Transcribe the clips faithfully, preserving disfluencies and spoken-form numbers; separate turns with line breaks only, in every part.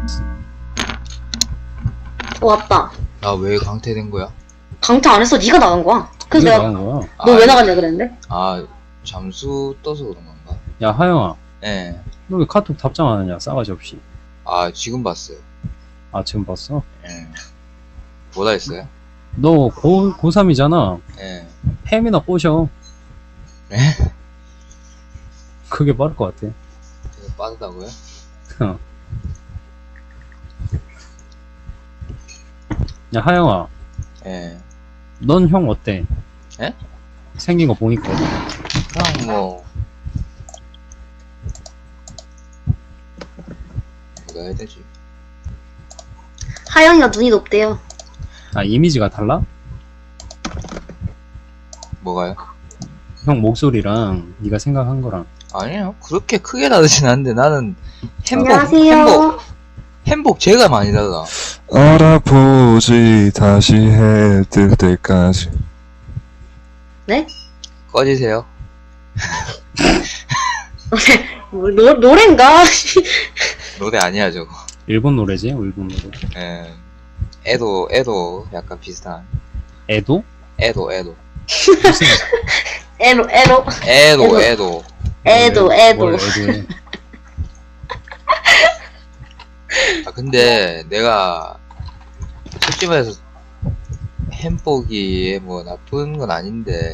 어, 왔다.
나 왜 강퇴된 거야?
강퇴 안 했어. 네가 나간 거야. 그래서
네가
내가
나간 거야.
너 왜
아,
나갔냐 그랬는데?
아, 잠수 떠서 그런 건가?
야 하영아,
예.
너 왜 카톡 답장 안 하냐? 싸가지 없이.
아, 지금 봤어요.
아 지금 봤어?
예. 뭐다 했어요?
너 고, 고삼이잖아.
예.
햄이나 꼬셔.
예?
그게 빠를 것 같아.
되게 빠르다고요?
어. 야 하영아,
예.
넌 형 어때?
예?
생긴 거 보니까.
그냥 뭐, 뭐라 해야 되지?
하영이가 눈이 높대요.
아 이미지가 달라?
뭐가요?
형 목소리랑 네가 생각한 거랑.
아니요. 그렇게 크게 다르진 않는데 나는 행복,
안녕하세요.
행복, 행복 제가 많이 달라.
알아보지 다시 해 뜰 때까지.
네?
꺼지세요.
뭐, 노, 노랜가?
노래 아니야, 저거.
일본 노래지? 일본 노래.
예. 애도, 애도 약간 비슷한.
애도?
애도, 애도.
무슨
에로, 에로.
애도,
애도.
애도.
애도, 애도.
뭘 애도해.
아, 근데 내가 솔직히 말해서 햄버기에 뭐 나쁜 건 아닌데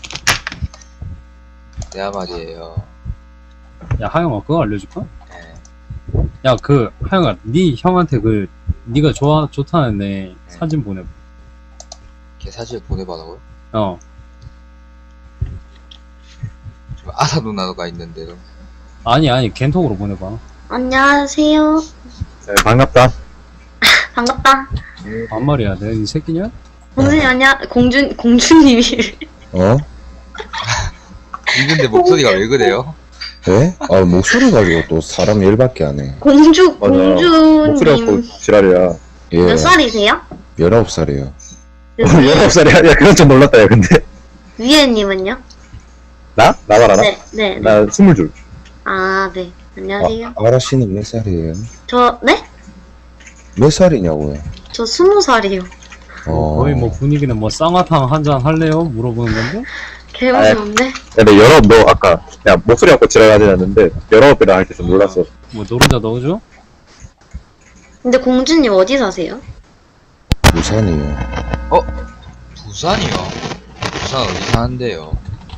내가 말이에요.
야 하영아 그거 알려줄까?
예.
야 그 하영아 네 형한테 그 네가 좋아 좋다는 애 사진 보내.
걔 사실 보내봐라고요?
어.
지금 아사 누나가 있는데도.
아니 아니 겐톡으로 보내봐.
안녕하세요.
네, 반갑다.
반갑다.
반말이야. 내가 이 새끼냐?
공준이 아니야? 공준, 공주님이.
어?
근데 목소리가 왜 그래요?
왜? 아 목소리 가지고 또 사람 일밖에 안 해.
공주,
맞아. 목소리가 곧
공주님.
지랄이야.
예.
몇 살이세요?
열아홉 살이에요.
열아홉 살이야? 야, 그건 좀 놀랐다, 야, 근데.
위에님은요?
나? 나 말하나?
네, 네. 네.
나 스물 줄.
아, 네. 안녕하세요.
아, 아라 씨는 몇 살이에요?
저, 네?
몇 살이냐고요?
저 스무 살이요.
어.
거의 뭐 분위기는 뭐 쌍화탕 한 잔 할래요? 물어보는 건데?
개무서운데?
야, 근데 열아홉, 너 아까, 야, 목소리 갖고 지랄하지 않는데, 열아홉이라 할 때 좀 놀랐어.
뭐 노른자 넣어줘?
근데 공주님 어디 사세요?
부산이요.
부산이요? 부산 어디 사는데요?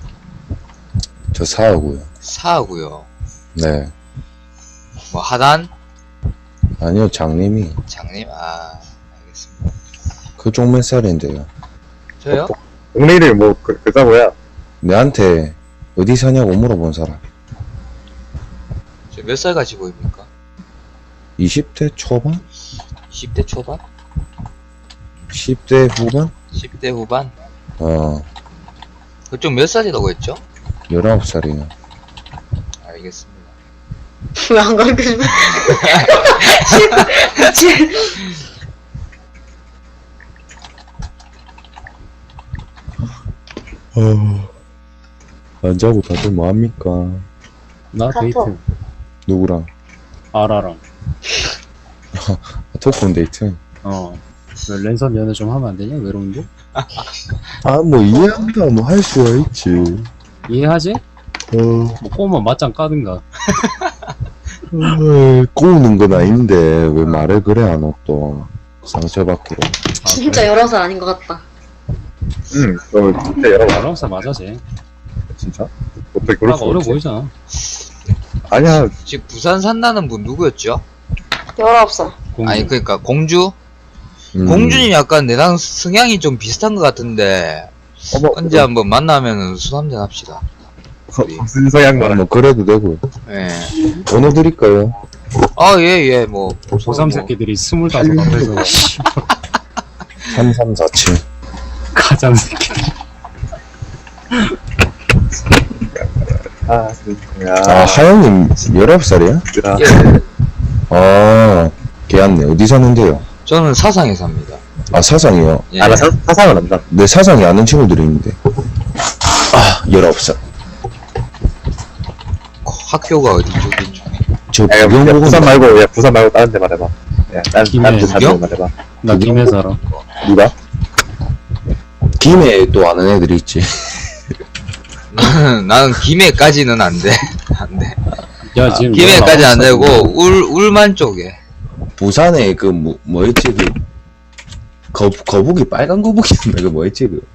저 사하고요.
사하고요.
네.
뭐 하단?
아니요 장님이
장님? 아, 알겠습니다.
그쪽 몇 살인데요?
저요?
동네 이름이 뭐, 그, 그자고야.
내한테 어디 사냐고 물어본 사람.
저 몇 살 같이 보입니까?
이십 대 초반?
십 대 초반?
십 대 후반?
십 대 후반?
어.
그쪽 몇 살이라고 했죠?
열아홉 살이요.
알겠습니다.
왜 안 가르쳐줘?
어. 안 자고 다들 뭐합니까?
나
카톡.
데이트.
누구랑?
아라랑.
토크온 데이트?
어. 왜 랜선 연애 좀 하면 안 되냐? 외로운데?
아, 뭐, 이해한다, 뭐, 할 수가 있지.
이해하지?
어,
뭐 꼬우면 맞짱 까든가.
어, 꼬우는 건 아닌데, 왜 말을 그래, 안 해, 또. 상처받기로.
아,
진짜 여러 살 아닌 것 같다.
응, 너 진짜 열아홉.
열아홉 살 맞아 쟤.
진짜? 어떻게 그럴
딱
수
어려
있지?
보이잖아.
아니야,
지금 부산 산다는 분 누구였죠?
열아홉 살.
공주.
아니, 그니까, 공주?
음,
공주님 약간 내랑 성향이 좀 비슷한 것 같은데,
어머,
언제 한번 만나면은 술 한잔 합시다. 우리.
무슨 서양
아,
거라.
뭐, 그래도 되고.
예.
번호 드릴까요?
아, 예, 예, 뭐.
고삼
뭐,
새끼들이 스물다섯 앞에서
삼삼사칠.
가장 새끼.
아, 진짜.
아, 하영님, 열아홉 살이야?
야,
예.
아, 걔한네. 어디 사는데요?
저는 사상에 삽니다.
아, 사상이요?
예.
아, 나 사, 사상은 안다.
내 사상이 아는 친구들이 있는데. 아, 열아홉 살.
학교가 어디 쪽이죠?
저
야, 야,
부경 보고
부산 말고, 야, 부산 말고 다른 데 말해봐. 야, 딴,
김해.
딴데 사는 데
부경?
말해봐.
나 김해 살아.
누가?
김해 또 아는 애들이 있지.
나는, 나는 김해까지는 안 돼. 안 돼.
야, 지금.
김해까지 안
열아홉
되고,
살이고.
울, 울만 쪽에.
부산에 그 뭐, 뭐였지 그 거, 거북이 빨간 거북이였나 그 뭐였지 그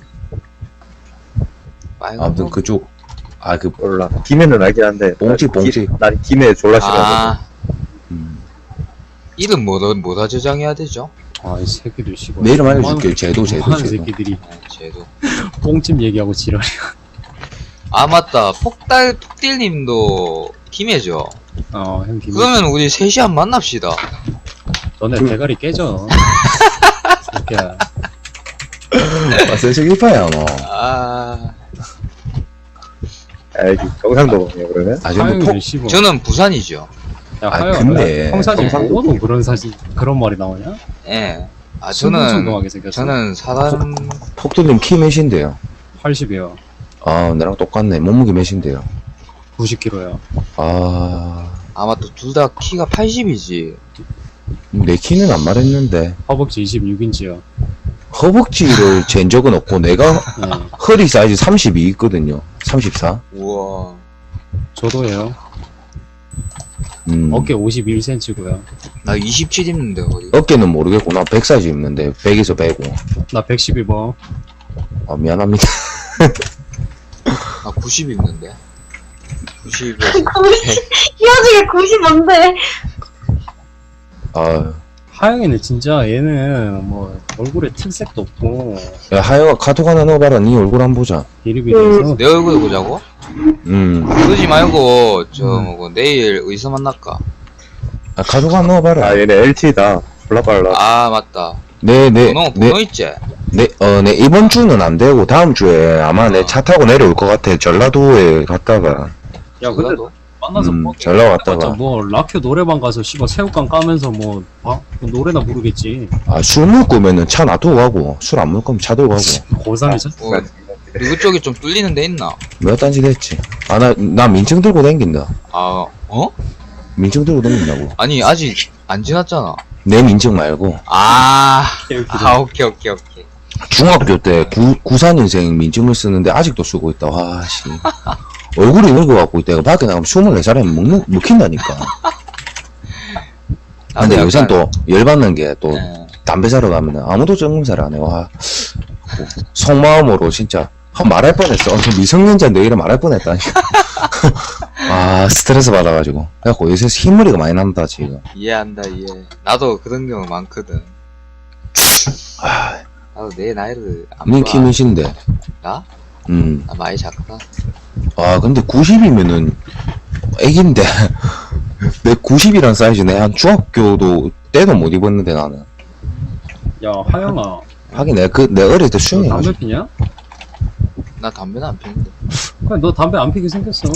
빨간
아무튼
거.
그쪽 아 그
몰라. 김해는 알긴 한데.
봉지,
난
봉지.
기- 난 김해 졸라 싫어하거든.
아,
음.
이름 뭐다, 뭐다 저장해야 되죠?
아, 이 새끼들 씨발.
내 이름 알려줄게. 제도 제도
뭐하는
제도.
새끼들이
네, 쟤도.
뽕집 얘기하고 지랄이야.
아, 맞다. 폭달, 폭딜님도 김해죠?
어, 형 김해.
그러면 우리 셋이 한 번 만납시다.
너네 대가리 깨져. 새끼야.
아 세식일파야 뭐.
아,
아, 여기 경상도냐, 그러면?
아 저는
하영이는
폭
씨발.
저는 부산이죠.
야,
아,
하영.
근데
형사진
경상도-
보고도 그런 사진, 그런 말이 나오냐?
예. 아, 저는,
순둥순둥하게 생겼어.
저는 사람,
폭들님 키 몇인데요?
팔십이요.
아 나랑 똑같네. 몸무게 몇인데요?
구십 킬로야.
아.
아마 또 둘 다 키가 팔십이지.
내 키는 안 말했는데
허벅지 이십육 인치야.
허벅지를 잰 적은 없고 내가
네.
허리 사이즈 삼십이 있거든요. 삼십사.
우와.
저도예요.
음.
어깨 오십일 센티미터고요.
나 이십칠 입는데, 어디.
어깨는 모르겠고 나 백 사이즈 입는데 백에서 백오.
나 백십이 뭐.
아 미안합니다.
나 구십 입는데. 구십에서
이 와중에 구십 뭔데?
아,
하영이는 진짜 얘는 뭐 얼굴에 특색도 없고
야 하영아 카톡 하나 넣어봐라. 네 얼굴 한번 보자.
비리비리해서
내 얼굴 보자고?
음.
그러지 말고, 저,
음.
뭐고, 내일 어디서 만날까?
아 카톡 하나 넣어봐라.
아, 얘네 엘티다. 졸라 빨라.
아, 맞다.
네, 네,
번호,
네,
번호 있지?
네, 어, 네 이번 주는 안 되고 다음 주에 아마 내 차 타고 내려올 것 같아. 전라도에 갔다가
야 근데
전라도?
만나서
음,
뭐
전라도
진짜
갔다가
뭐 라큐 노래방 가서 씨발 새우깡 까면서 뭐, 아, 뭐 노래나 부르겠지.
아 술 먹으면은 차 놔두고 가고 술 안 먹을 거면 차 들고 가고
고삼이죠?
뭐, 누구 쪽이 좀 뚫리는 데 있나?
몇 단지 됐지. 아 나 나 민증 들고 댕긴다.
아, 어?
민증 들고 댕긴다고.
아니, 아직 안 지났잖아.
내 민증 말고
아, 아, 오케이, 오케이, 오케이.
중학교 때 구, 구사년생 민증을 쓰는데 아직도 쓰고 있다. 와, 씨. 얼굴이 늙어갖고 있다. 밖에 나가면 스물네 살이면 먹는, 먹힌다니까. 근데
나도
요새
약간-
또 열받는 게 또
예.
담배 사러 가면 아무도 정금살 안 해. 와. 속마음으로 진짜 한 말할 뻔했어. 미성년자인데 이래 말할 뻔했다니까. 아, 스트레스 받아가지고. 그래갖고 요새 흰머리가 많이 난다, 지금.
이해한다, 이해. 나도 그런 경우 많거든.
아,
나도 내 나이를 안
니
봐.
키 몇인데?
나?
음.
나 많이 작다.
아, 근데 구십이면은 애기인데. 내 구십이란 사이즈 내 한 중학교도 때도 못 입었는데 나는.
야 하영아
하긴 내가 그, 내 어릴 때
너
수영해가지고.
담배 피냐?
나 담배는 안 피는데.
그래 너 담배 안 피게 생겼어.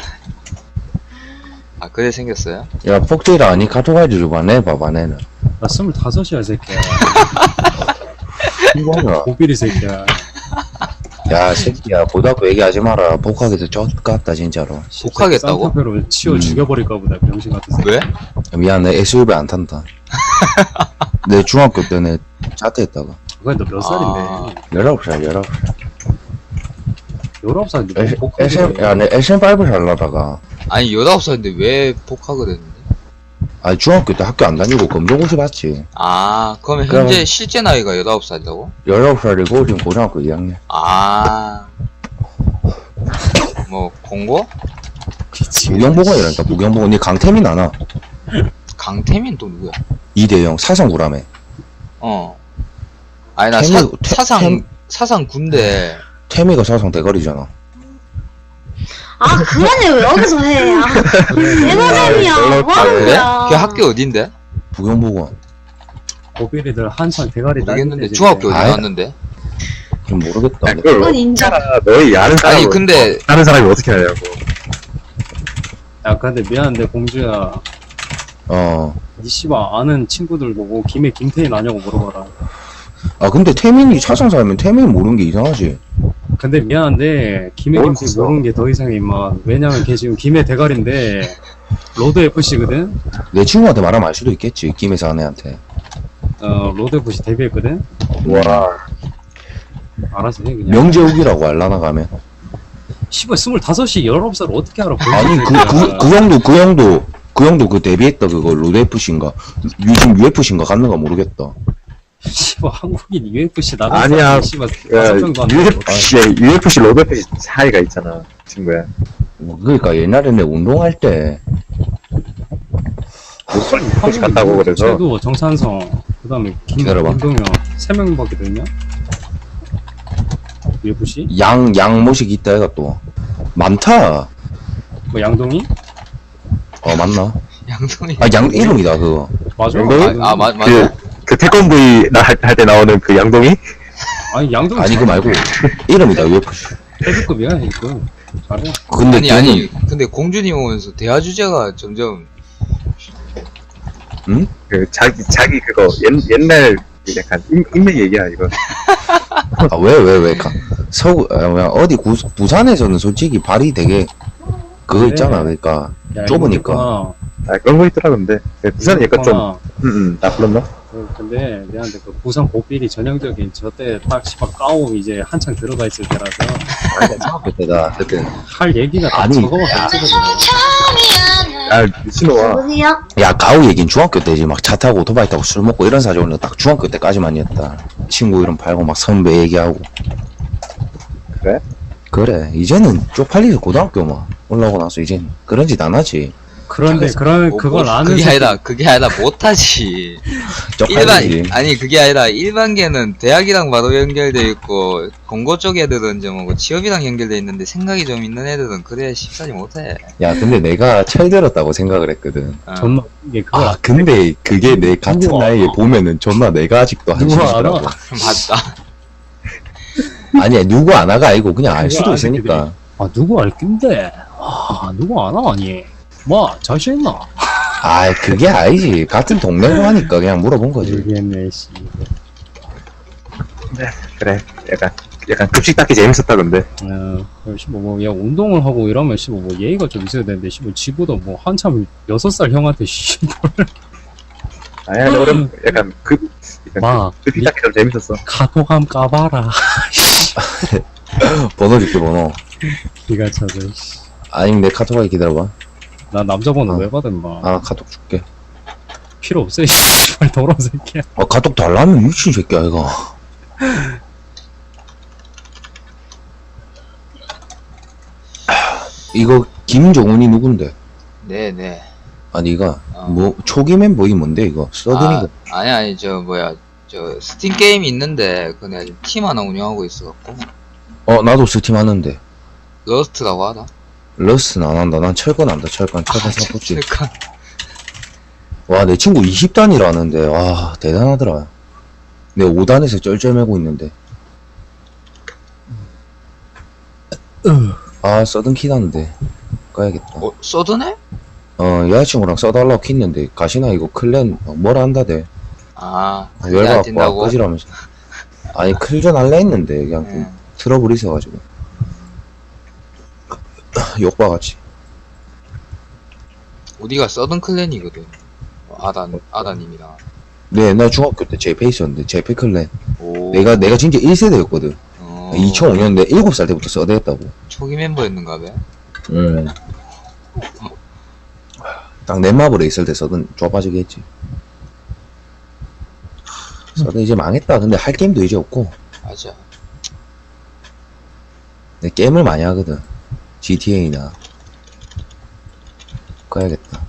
아, 그래 생겼어요?
야, 폭대라 아니 카톡 알려줘봐. 내 봐봐, 내는.
나 스물다섯이야 새끼야.
이거 하나.
고비리 새끼야.
야, 새끼야, 보다고 얘기하지 마라. 복학에서 쫓 같다, 진짜로.
복하겠다고?
쌍꺼풀로 치워
음.
죽여버릴까 보다 병신 같은 새끼.
왜?
미안, 내 에스유브이 안 탄다. 내 중학교 때는 자퇴했다가.
그래 너 몇 살인데?
아.
열아홉 살, 열아홉 살.
열아홉 살인데
에스-
뭐 복학을
에스엠,
해.
야, 내 에스엠 파이브 살라다가.
아니, 열아홉 살인데 왜 복학을 했는데?
아, 중학교 때 학교 안 다니고 검정고시 봤지.
아, 그러면
그럼-
현재 실제 나이가 열아홉 살이라고?
열아홉 살이고, 지금 고등학교 이 학년.
아. 뭐, 공고?
부경보건이란다, 부경보건. 니 강태민 아나?
강태민 또 누구야?
이대영, 사상구라며.
어. 아니, 나
태민-
사,
태-
사상,
태-
사상 군대.
태미가 사상 대가리잖아.
아, 그만해, 왜 여기서 해. 아, 에너잼이야. 뭐 하는
그래?
거야.
걔 학교 어딘데?
부경보건.
고비리들 한창 대가리
모르겠는데.
따는데
중학교 어디
아이.
나왔는데?
좀 모르겠다.
야, 그걸
그건
어떻게
인정.
알아? 너희 아는 사람
아니, 근데,
아는 사람이 어떻게 하냐고.
야 근데 미안한데 공주야
어.
니 씨발 아는 친구들 보고 김에 김태인 아냐고 물어봐라.
아, 근데 태민이 사상 살면 태민이 모르는 게 이상하지.
근데 미안한데 김해
뭘
김태인
봤어?
모르는 게 더 이상해 임마. 왜냐면 걔 지금 김해 대가리인데 로드 에프씨거든.
내 친구한테 말하면 알 수도 있겠지. 김혜사 아내한테.
어 로드 에프씨 데뷔했거든.
와.
알아서 해 그냥.
명재욱이라고 알라나 가면.
씨발 스물다섯이 열아홉 살 어떻게 알아?
아니 그 그 그 형도 그 형도 그 형도 그 데뷔했다 그거 로드에프씨인가 요즘 유에프씨인가 갔는가 모르겠다.
씨발 한국인 유에프씨 나가.
아니야.
씨발
야,
다섯 명도 안
유에프씨, 유에프씨, 로드에프씨 차이가 있잖아, 친구야.
뭐 그러니까 옛날에 내 운동할 때
유에프씨 갔다고 그래서.
쟤도 정찬성 그다음에 김
기다려봐.
김동현 세 명밖에 되냐? 유에프씨?
양 양모식 있다 해가 또 많다.
뭐 양동이?
어 맞나?
양동이.
아 양 이름이다 그거.
맞아.
양동이?
아, 아, 맞, 맞아.
그, 그 태권브이 할 때 나오는 그 양동이?
아니 양동이
아니 그 말고 이름이다 유에프씨.
헤드급이야 헤드급. 잘해.
근데
아니,
걔는
아니, 근데 공주님 오면서 대화 주제가 점점.
응?
그, 자기, 자기 그거, 옛, 옛날, 그 약간, 인, 인맥 얘기야, 이거.
아 왜 왜 왜 가 서구 아, 뭐야, 어디 구, 부산에서는 솔직히 발이 되게 그거
그래.
있잖아. 그러니까
야,
좁으니까.
이거
아, 그런 거 있더라, 근데. 그 부산은 약간 좀,
있구나.
음, 음, 나 불렀나?
어, 근데 내한테 그 부산 고삐리 전형적인 저때 딱 씨발 까오 이제 한창 들어가 있을 때라서
아니 중학교 때다 그때.
할 얘기가 다
아니.
저거밖에 없거든요.
아, 미친놈아.
여보세요?
야 가우 얘긴 중학교 때지. 막 차 타고 오토바이 타고 술 먹고 이런 사정은 딱 중학교 때까지만이었다. 친구 이름 팔고 막 선배 얘기하고.
그래?
그래 이제는 쪽팔리서 고등학교 막 올라오고 나서 이젠 그런 짓 안 하지.
그런데 그런
뭐,
그걸
뭐,
아는
그게
새끼-
아니라, 그게 아니라 못하지. 일반,
쪽팔리지.
아니, 그게 아니라 일반계는 대학이랑 바로 연결돼 있고, 공고 쪽 애들은 좀 뭐 취업이랑 연결돼 있는데 생각이 좀 있는 애들은 그래야 쉽사리 못해.
야 근데 내가 철들었다고 생각을 했거든.
어.
존나 이게 그걸
아 근데 그게 내 같은
누구
나이에
알아?
보면은 존나 내가 아직도
누구
한심하더라고.
알아?
맞다.
아니야 누구 안 하가 아니고 그냥 알
누구
수도
아는
있으니까.
아 누구 알 낀데 아 누구 아나 아니 뭐 자신 있나
아 그게 아니지. 같은 동네로 하니까 그냥 물어본 거지.
모르겠네 씨.
그래. 약간, 약간 급식 닦기 재밌었다, 근데.
어, 씨뭐 뭐, 야 운동을 하고 이러면 씨뭐 뭐 예의가 좀 있어야 되는데 씨뭐 지보다 뭐 한참 여섯 살 형한테 씨
아니, 아니, 어른, 약간, 급, 약간
막
급식 닦기 좀 재밌었어.
카톡함 까봐라
번호 줄게 번호.
기가 차서 씨.
아니면 내 카톡하게 기다려봐.
나 남자 번호
어.
왜 받은 마
아 카톡 줄게.
필요 없어 씨발 더러운 새끼야
아 카톡 달라면 미친 새끼야 이거. 이거 김종훈이 누군데?
네네.
아니 이거
어.
뭐 초기 멤버이 뭔데 이거? 서든이가
아, 아니, 아니, 저, 뭐야. 저, 스팀 게임이 있는데, 그 내가 지금 팀 하나 운영하고 있어갖고.
어 나도 스팀 하는데
러스트라고 하나?
러스는 안 한다. 난 철권 한다. 철권 철권 사포지.
잠깐.
와 내 친구 이십 단이라는데 와 대단하더라. 내 오 단에서 쩔쩔매고 있는데. 아 서든 키다는데 가야겠다.
어, 서드네?
어 여자친구랑 써달라고 켰는데 가시나 이거 클랜 어, 뭐라 한다대.
아, 그게 안
열받고
된다고?
꺼지라면서. 아니 클전 할래 했는데 그냥 좀
응.
트러블이 있어가지고 욕박았지.
우리가 서든 클랜이거든. 아단, 아다님이랑.
내 옛날 중학교 때 제페 있었는데 제페 클랜
오.
내가 내가 진짜 일 세대였거든.
어,
이천오 년대 일곱 살 때부터 써대했다고.
초기 멤버였는가 봐.
응. 딱 넷마블에 있을 때 써든 좁아지게 했지. 써든 이제 망했다. 근데 할 게임도 이제 없고.
맞아.
내 게임을 많이 하거든. 지티에이나. 가야겠다.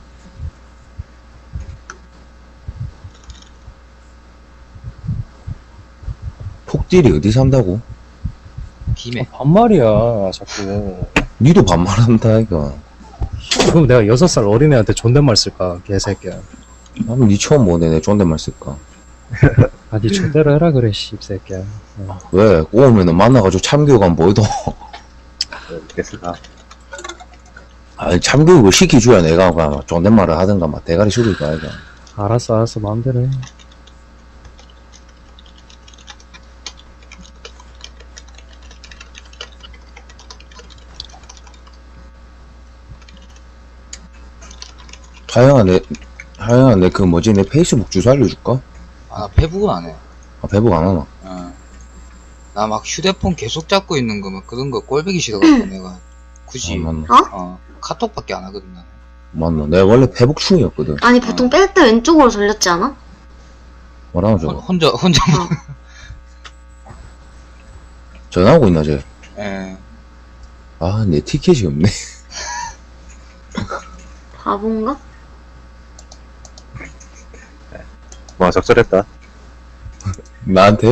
폭딜이 어디 산다고?
김해.
반말이야 자꾸
니도 반말한다 이거.
그럼 내가 여섯 살 어린애한테 존댓말 쓸까 개새끼야
그럼 니 처음 보네. 내 존댓말 쓸까?
아니 존대로 해라 그래 씹새끼야
왜? 오면은 만나가지고 참교육안 보여도.
됐을까?
아니 참교육을 시켜줘야 내가 막 존댓말을 하든가 막 대가리 숙일 거야 이거.
알았어 알았어 마음대로 해
하영아, 내, 하영아, 내 그 뭐지, 내 페이스북 주소 알려줄까?
아, 나 페북은 안 해.
아, 배북 안 하나?
어. 나 막 휴대폰 계속 잡고 있는 거, 막 그런 거 꼴보기 싫어가지고 내가 굳이,
아, 맞나?
어, 카톡밖에 안 하거든, 나는.
맞나? 내가 원래 페북충이었거든.
아니 보통 뺄 때 왼쪽으로 돌렸지 않아?
뭐라고
혼-
저거?
혼자, 혼자,
어.
전화하고 있나, 쟤?
예.
아, 내 티켓이 없네.
바본가?
와, 적절했다.
나한테?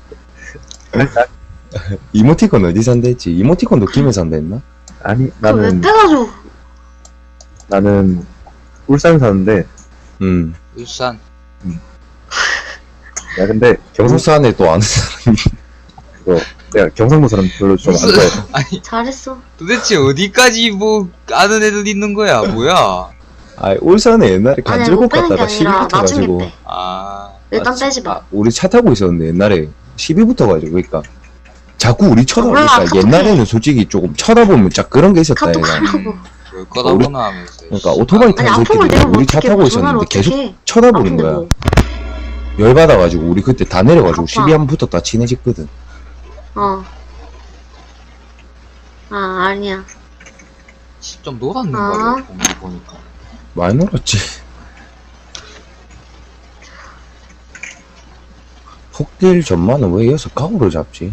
이모티콘 어디 산다 했지? 이모티콘도 김에 산다 했나?
아니,
그거 왜
나는,
빼가지고
나는, 울산 사는데,
응.
울산.
야, 근데, 경상,
경산에 또 아는 사람이.
그거, 내가 경상도 사람 별로 좀 안
무슨-
좋아해.
아니,
잘했어.
도대체 어디까지 뭐, 아는 애들 있는 거야, 뭐야?
아, 울산에 옛날에
아니
간질곡
못 빼는 게
갔다가 시비
아니라 나중에
붙어가지고.
빼.
아,
일단
아,
빼지 마.
아, 우리 차 타고 있었는데 옛날에 시비 붙어가지고 그러니까 자꾸 우리
몰라,
쳐다보니까
카톡해.
옛날에는 솔직히 조금 쳐다보면 자 그런 게 있었다
카톡
얘가.
하라고.
뭘 거다보나 하면서.
그러니까 오토바이
아니
타는
아픔을
새끼들이
내면
우리 차
어떡해.
타고
뭐 전화를
있었는데 계속
어떡해.
쳐다보는
아픈데
거야.
뭐.
열받아가지고 우리 그때 다 내려가지고
아파.
시비 한 번 붙었다 친해졌거든.
어. 아 아니야.
좀 놀았는가
아.
봐, 공기 보니까.
많이 놀았지. 폭딜 전만은 왜 여기서 가구를 잡지?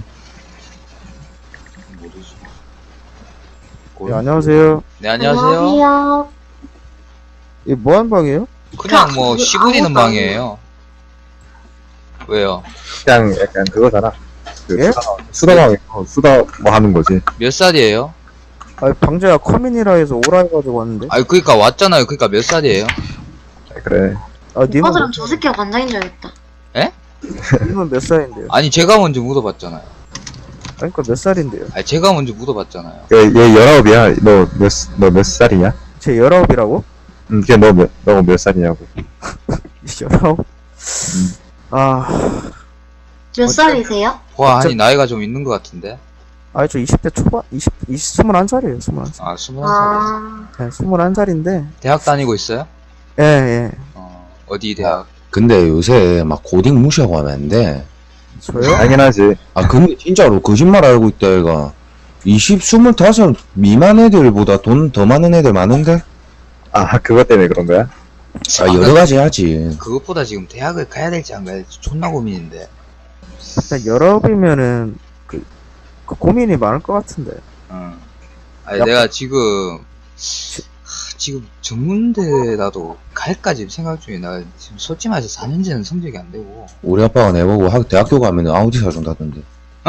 모르지.
네, 안녕하세요.
네, 안녕하세요.
안녕하세요.
이 뭐한 방이에요?
그냥 뭐,
그
시부리는
아무것도 안
방이에요. 왜요?
그냥 약간 그거잖아. 그,
예?
수다, 수다방에서 수다 뭐 하는 거지.
몇 살이에요?
아, 방제가 커민이라 해서 오라 해가지고 왔는데.
아니, 그니까 왔잖아요. 그니까 몇 살이에요?
그래.
아, 님은,
오빠들은 저 새끼가 관장인 줄 알겠다.
님은 몇 살인데요?
아니, 제가 먼저 물어봤잖아요.
그러니까 몇 살인데요?
아니, 제가 먼저 물어봤잖아요.
얘, 얘 열아홉이야. 너 몇, 너 몇 살이냐?
제 열아홉이라고?
응, 걔 너 몇, 너가 몇 살이냐고.
열아홉? 아,
몇 살이세요?
와, 아니, 나이가 좀 있는 것 같은데?
아니, 저 이십 대 초반, 이십, 이십, 스물한 살이에요, 스물한 살.
아, 스물한 살.
아
네, 스물한 살인데.
대학 다니고 있어요?
예, 예.
어, 어디 대학?
근데 요새 막 고딩 무시하고 하면 안 돼.
저요?
당연하지.
아 근데 진짜로 거짓말 알고 있다 얘가. 이십, 스물다섯 미만 애들보다 돈 더 많은 애들 많은데?
아, 그것 때문에 그런 거야?
아 여러 가지 하지.
그것보다 지금 대학을 가야 될지 안 가야 될지 존나 고민인데.
일단 열아홉이면은, 그, 그 고민이 많을 것 같은데.
어. 아니,
야,
내가 지금, 하, 지금 전문대라도 갈까 지금 생각 중이야. 나 지금 솔직히 말해서 사 년째는 성적이 안 되고.
우리 아빠가 내보고 학, 대학교 가면 아우디 사준다던데.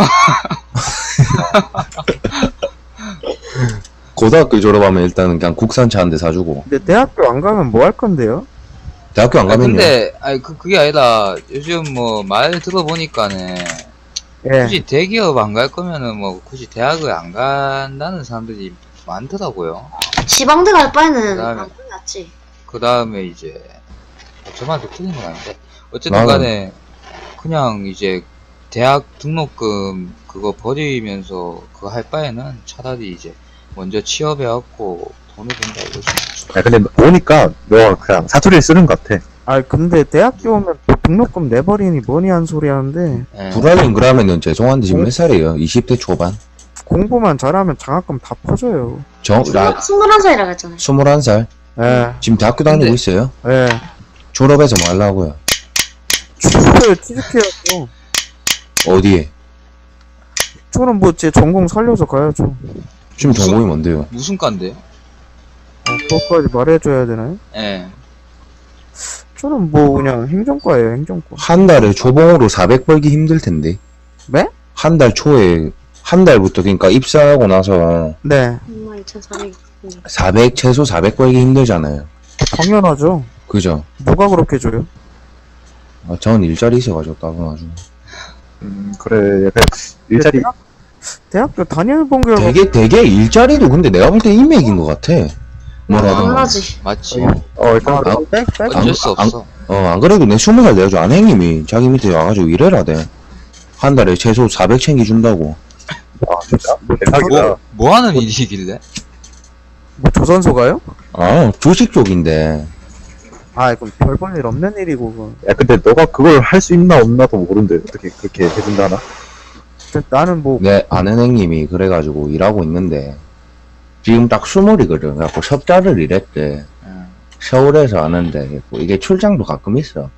고등학교 졸업하면 일단은 그냥 국산차 한 대 사주고.
근데 대학교 안 가면 뭐 할 건데요?
대학교 안
아,
가면요.
근데, 아니, 그, 그게 아니라, 요즘 뭐, 말 들어보니까는,
예.
굳이 대기업 안 갈 거면은 뭐, 굳이 대학을 안 간다는 사람들이 많더라고요.
지방대 갈 바에는
그다음에-
안 가는 게 낫지.
그 다음에 이제, 저만도 틀린 건 아닌데, 어쨌든
나는-
간에, 그냥 이제, 대학 등록금 그거 버리면서 그거 할 바에는 차라리 이제, 먼저 취업해갖고 돈을 번다 이거지.
야, 근데 보니까 너 그냥 사투리를 쓰는 것 같아.
아, 근데 대학교 오면 또 등록금 내버리니 뭐니 한 소리 하는데,
예.
불알인 그러면은 죄송한데 지금 몇 살이에요? 이십 대 초반?
공부만 잘하면 장학금 다 퍼져요.
정, 나,
스물한 살이라고 했잖아요.
스물한 살?
예,
지금 대학교 다니고
근데-
있어요?
예.
졸업해서 뭐 하려고요?
취직해요, 취직해야죠.
어디에?
저는 뭐 제 전공 살려서 가야죠.
지금
무슨-
전공이 뭔데요?
무슨 과인데요?
어, 그것까지 말해줘야 되나요?
예.
저는 뭐 그냥 행정과예요, 행정과.
한 달에 초봉으로 사백 벌기 힘들 텐데.
네?
한 달 초에, 한 달부터 그러니까 입사하고 나서
네,
엄마 이천사백.
사백, 최소 사백 벌기 힘들잖아요.
당연하죠.
그죠?
누가 그렇게 줘요?
아, 전 일자리 있어가지고 따분하죠.
음, 그래. 약간 일자리,
대학, 대학교 단일본 교육
되게, 되게 일자리도 근데 내가 볼 때 인맥인 것 같아. 뭐라든.
아,
당연하지.
맞지.
어,
어, 일단,
아,
백, 백.
어쩔 수
안-
없어.
어, 안 그래도 내 스무 살 내가 줘. 안행님이 자기 밑에 와가지고 일해라대. 한 달에 최소 사백 챙겨준다고.
아, 진짜? 대박이다.
뭐, 뭐 하는 일이길래?
뭐 조선소가요?
아, 주식 쪽인데.
아, 그럼 별 볼 일 없는 일이고, 그건.
야, 근데 너가 그걸 할 수 있나 없나도 모르는데 어떻게 그렇게 해준다나?
진짜 나는 뭐,
내 아는 형님이 그래가지고 일하고 있는데 지금 딱 스물이거든. 그래갖고 석달을 일했대.
응.
서울에서 아는데 뭐 이게 출장도 가끔 있어.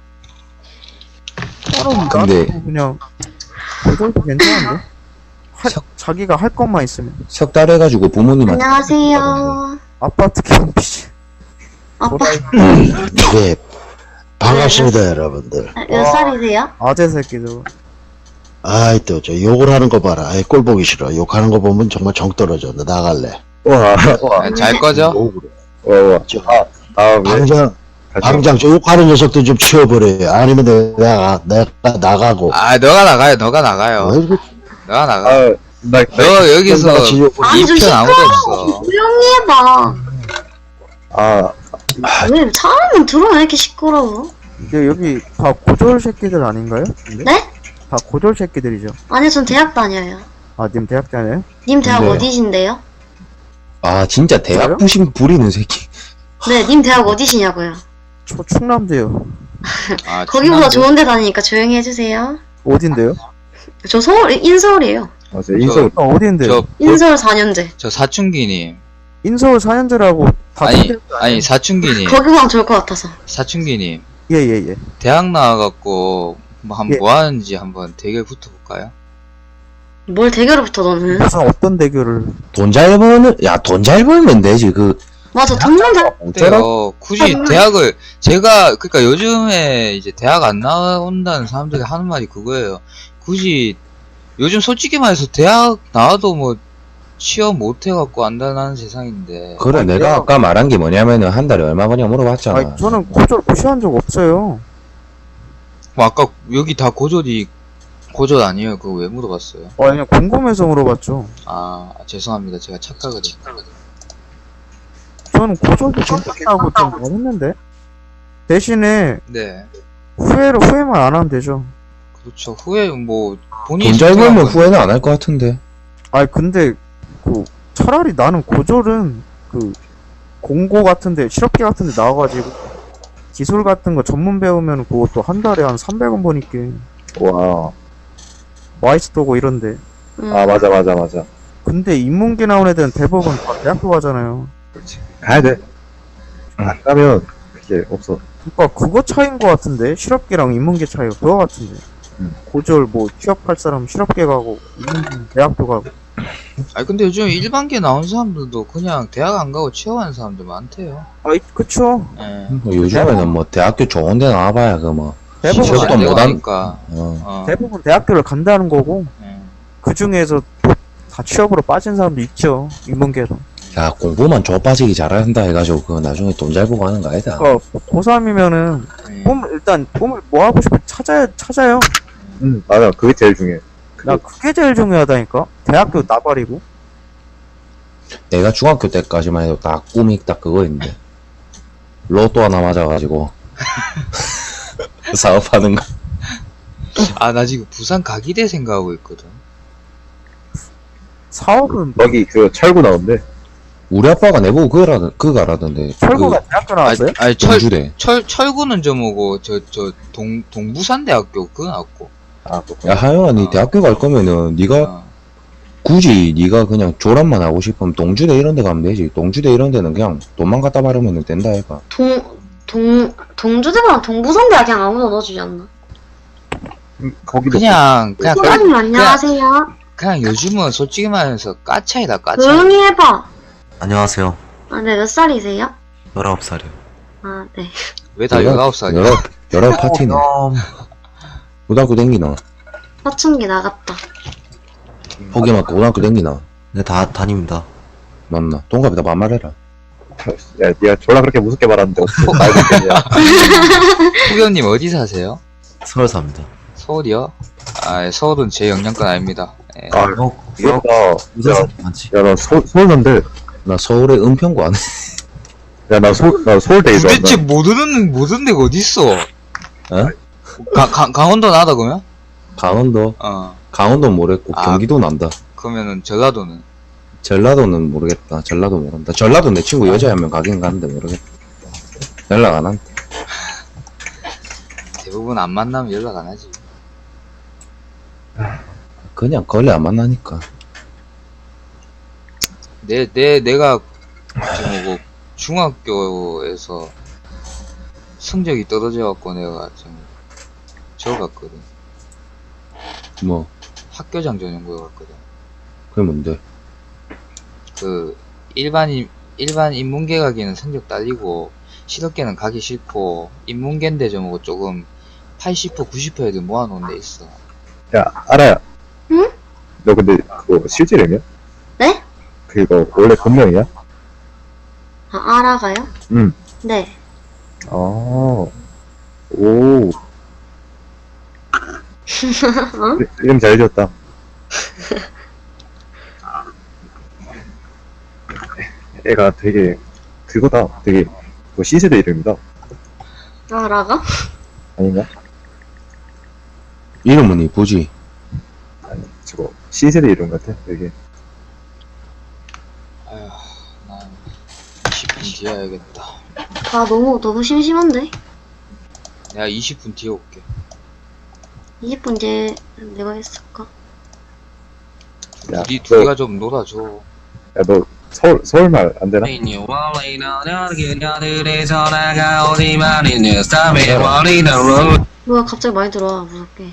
따로
근데-
나도 그냥, 고졸도 괜찮은데? 할,
석-
자기가 할 것만 있으면.
석 달 해가지고 부모님한테
안녕하세요.
아파트 경비실.
아빠
네, 반갑습니다, 여러분들.
몇 살이세요?
아재 새끼들.
아이, 또, 저, 욕을 하는 거 봐라. 아이, 꼴 보기 싫어. 욕하는 거 보면 정말 정 떨어져. 나 나갈래.
와,
야, 잘 꺼져?
욕을 해.
와, 와.
저,
아, 다음에
당장,
다시
당장 저 욕하는 녀석들 좀 치워버려요. 아니면 내가, 내가 나가고.
아, 너가 나가요, 너가 나가요.
어, 이거
너가 나가.
아, 나, 나
너 여기서
똑같이 욕을
아니 좀
이편 아무도
시끄러워.
없어.
조용히 해봐.
아,
왜 사람은 들어와 이렇게 시끄러워?
이게 여기 다 고졸 새끼들 아닌가요? 근데?
네?
다 고졸 새끼들이죠.
아니 전 대학 다녀요.
아, 님 대학 다녀요?
님 대학
네.
어디신데요?
아 진짜 대학
저요?
부심 부리는 새끼.
네, 님 대학 어디시냐고요?
저 충남대요.
아,
거기보다
충남도-
좋은 데 다니니까 조용히 해주세요.
어딘데요?
저 서울, 인서울이에요.
맞아. 인서,
아, 어딘데요?
저,
인서울 사 년제.
저 사춘기님.
인서울 사 년제라고 다
아니,
챙겨야 돼.
아니, 사춘기님.
거기보다 좋을 것 같아서.
사춘기님.
예, 예, 예.
대학 나와갖고, 뭐, 한,
예.
뭐 하는지 한번 대결 붙어볼까요?
뭘 대결을 붙어 너는?
무슨 어떤 대결을.
돈 잘 버는 야 돈 잘 벌면 되지 그.
맞아, 돈만 잘.
어때요? 굳이 대학을, 제가, 그니까 요즘에 이제 대학 안 나온다는 사람들이 하는 말이 그거예요. 굳이, 요즘 솔직히 말해서 대학 나와도 뭐, 취업 못 해갖고 안다는 세상인데.
그래
아니,
내가
내가-
아까 말한 게 뭐냐면은 한 달에 얼마 버냐 물어봤잖아.
아니, 저는 고졸 무시한 적 없어요.
뭐 아까 여기 다 고졸이, 고졸 아니에요? 그거 왜 물어봤어요?
아, 그냥 궁금해서 물어봤죠.
아, 죄송합니다. 제가 착각을 했
저는 고졸도 괜찮다고 좀 말했는데. 대신에
네.
후회를 후회만 안 하면 되죠.
그렇죠. 후회, 뭐, 본인이
돈 잘
선택한
벌면
건-
후회는 안 할 것 같은데.
아니 근데 그 차라리 나는 고졸은 그 공고 같은데 실업계 같은데 나와가지고 기술 같은 거 전문 배우면 그것도 한 달에 한 삼백 원 버니까
와.
와이스도고 이런데.
음.
아, 맞아, 맞아, 맞아.
근데 인문계 나온 애들은 대부분 다 대학교 가잖아요.
그렇지. 가야 돼. 안 가면 그게 없어.
그러니까 그거 차이인 것 같은데 실업계랑 인문계 차이가 그거 같은데.
음.
고졸 뭐 취업할 사람 실업계 가고 인문계 대학교 가고.
아니, 근데 요즘 일반계 나온 사람들도 그냥 대학 안 가고 취업하는 사람들 많대요.
아 그쵸.
예.
뭐 요즘에는 뭐 대학교 좋은 데 나와봐야 그 뭐.
대부분
취업
취업도
안 되고
못한-
하니까.
어.
어.
대부분 대학교를 간다는 거고
예.
그 중에서 또 다 취업으로 빠진 사람도 있죠 인문계도.
야 공부만 줘 빠지기 잘한다 해가지고 그 나중에 돈 잘 보고 하는 거 아니다.
그러니까 고삼이면은
예.
꿈 일단 꿈을 뭐 하고 싶어 찾아야 찾아요.
응, 맞아. 그게 제일 중요해.
나 그게 제일 중요하다니까. 대학교 나발이고.
내가 중학교 때까지만 해도 딱 꿈이 딱 그거였는데 로또 하나 맞아가지고 사업하는 거.
아, 나 지금 부산 가기대 생각하고 있거든.
사업은
거기 그 철구 나온대.
우리 아빠가 내보고 그거라 그거라던데.
철거가 대학교 나왔어요?
아니, 아니
그
철,
경주대.
철, 철구는 저 뭐고, 저, 저, 동, 동부산대학교 그거 나왔고.
아, 그렇구나.
야 하영아 니
어.
대학교 갈 거면은 니가
어.
굳이 니가 그냥 졸업만 하고 싶으면 동주대 이런 데 가면 되지. 동주대 이런 데는 그냥 돈만 갖다 바르면 된다 해봐.
동, 동, 동주대랑 동부선대학 그냥 아무나 넣어주지 않나?
음, 거기도.
그냥, 그냥, 까,
소장님 안녕하세요.
그냥 요즘은 솔직히 말해서 까차이다, 까차.
조용히 해봐.
안녕하세요.
아, 네, 몇 살이세요?
열아홉 살이요.
아, 네.
왜 다 열아홉 살이야?
여러 여러 파티네.
어,
고등학교 댕기나.
사춘기 나갔다.
포기 맞고 고등학교 댕기나.
네, 다 다닙니다.
맞나? 동갑이다 반말해라.
야, 니가 졸라 그렇게 무섭게 말하는데 어떻게 말고 있겠냐.
후견님 어디 사세요?
서울 삽니다.
서울이요? 아, 서울은 제 영향권 아닙니다. 예.
아,
역,
역,
의사
야,
사 많지.
야, 나 서, 서울인데.
나 서울에 은평구 안 해.
야, 나 서울, 나 서울대에서.
도대체 모르는, 모르는 데가 어딨어?
어?
가, 가, 강원도 나다, 그러면?
강원도
어.
강원도 모르겠고
아.
경기도 난다.
그러면은 전라도는?
전라도는 모르겠다. 전라도 모른다. 전라도 내 친구 여자 한 명 가긴 가는데 모르겠다. 연락 안 한다.
대부분 안 만나면 연락 안 하지.
그냥 걸레 안 만나니까.
내, 내, 내가 지금 뭐 중학교에서 성적이 떨어져갖고 내가 좀 저거 갔거든.
뭐,
학교장 전용고에 갔거든.
그게 뭔데?
그 일반인 일반 인문계 가기는 성적 딸리고 실업계는 가기 싫고 인문계인데 좀 뭐 조금 팔십 퍼센트 구십 퍼센트 애들 모아놓은 데 있어.
야, 알아야.
응?
너 근데 그거 실제 이름이야?
네?
그거 원래 본명이야?
아, 알아가요?
응.
네.
아, 오. 이- 이름 잘 지었다. 애가 되게 그거다. 되게 뭐 C세대 이름이다.
알아가?
아닌가?
이름은 이쁘지?
아니, 저거 C세대 이름 같아. 되게.
아휴, 난 이십 분 뒤에 해야겠다.
아, 너무, 너무 심심한데?
내가 이십 분 뒤에 올게.
이십 분 뒤에 내가 했을까?
야,
우리
너-
둘이가 좀 놀아줘.
야, 너 서울, 서울말 안 되나?
뭐야, 갑자기 많이 들어와, 무섭게.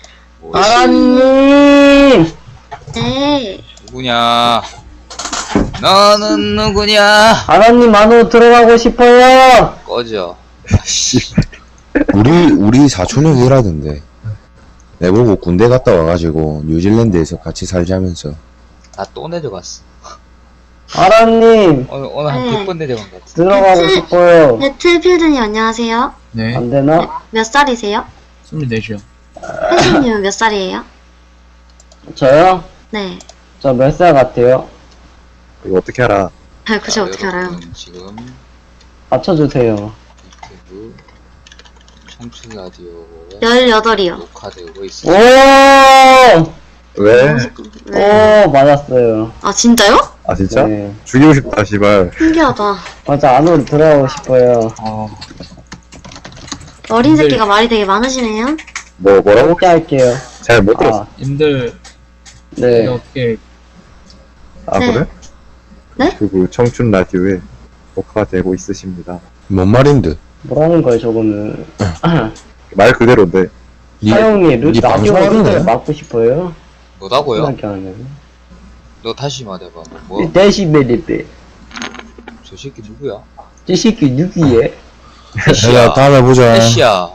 아라님!
네.
누구냐? 너는 누구냐?
아라님 안으로 들어가고 싶어요!
꺼져.
씨.
우리, 우리 사촌 형이 이라던데. 내보고 군대 갔다 와가지고 뉴질랜드에서 같이 살자면서.
나 또 내려갔어.
아라님!
오늘, 오늘 한
네.
백 번 내려간 것 같아.
들어가고 싶어요!
배틀필드님 안녕하세요.
네,
안 되나?
몇 살이세요?
스물네시요.
혜수님은 몇 살이에요?
저요?
네.
저 몇 살 같아요?
이거 어떻게 알아?
아, 그저 어떻게 알아요?
여러분은 지금
맞춰주세요.
유튜브 청춘 라디오에
열여덟이요.
녹화되고
오!
있습니다.
왜?
네.
오! 맞았어요.
아, 진짜요?
아, 진짜?
네.
죽이고 싶다, 씨발.
신기하다.
맞아, 안으로 들어가고 싶어요.
어,
어린 새끼가 말이 되게 많으시네요.
뭐, 뭐라고?
함께 할게요.
잘 못 들었어.
아,
님들
네.
이렇게
아,
네.
그래?
네?
그 청춘 라디오에 녹화가 되고 있으십니다.
뭔 말인데?
뭐라는 거예요, 저거는.
말 그대로인데.
니,
사용이 루,
니
라디오
방송하는
루트를
거야?
막고 싶어요?
뭐다고요?
생각이 안 나네.
너 다시 말해봐. 뭐? 뭐?
데시벨리베.
저 새끼 누구야?
이 새끼 누구예?
야,
해시야.
다음에 보자.
해시야.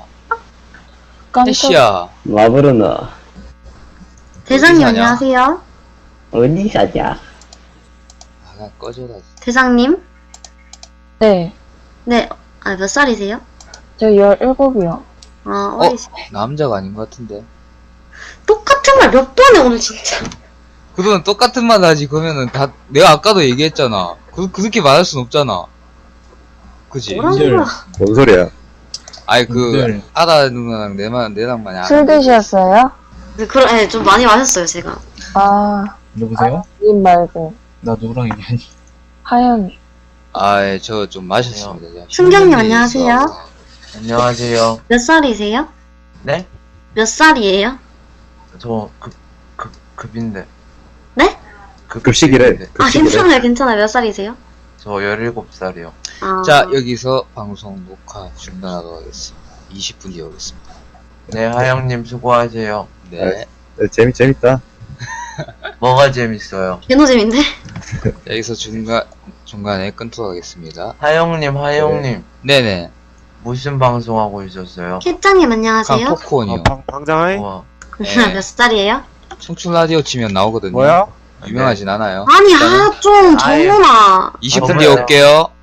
해시야.
와브르나.
대장님
어디 사냐?
안녕하세요.
어디 사냐?
아, 그냥 꺼져라.
대장님?
네,
네. 아, 몇 살이세요?
저 열일곱이요.
아,
어?
어리시.
남자가 아닌 것 같은데.
똑같은 말 몇 번에 오늘 진짜.
그러면 똑같은 말 하지. 그러면은 다, 내가 아까도 얘기했잖아. 그, 그렇게 말할 순 없잖아. 그지?
뭐라는
님들
거야?
뭔 소리야?
아니, 그,
님들
아다 누나랑 내만, 내랑 많이
술
아는데.
드셨어요?
네, 그러, 네, 좀 많이 마셨어요, 제가.
아,
누구세요?
님 말고
나 누구랑 얘기하니?
하영.
아, 예, 저 좀 마셨습니다. 제가.
승경님
힘든 게
안녕하세요.
있어갖고.
안녕하세요.
몇 살이세요?
네?
몇 살이에요?
저 급, 급, 급인데.
네?
급,
급식이래.
급인데.
아,
급식이래.
괜찮아요, 괜찮아요. 몇 살이세요?
저 열일곱 살이요.
아,
자, 여기서 방송 녹화 중단하도록 하겠습니다. 이십 분 뒤에 오겠습니다.
네, 하영님 수고하세요.
네.
네, 재밌, 재밌다.
뭐가 재밌어요?
개노잼인데?
여기서 중간, 중간에 끊도록 하겠습니다.
하영님, 하영님.
네네.
무슨 방송하고 있었어요?
캣짱님
강
안녕하세요.
토크온이요.
방, 방장하이?
우와.
네.
몇 살이에요?
청춘 라디오 치면 나오거든요.
뭐야?
유명하진 않아요.
아니,
일단은
아, 좀,
아예-
정훈아.
이십
아,
분 뒤에
뭐야.
올게요.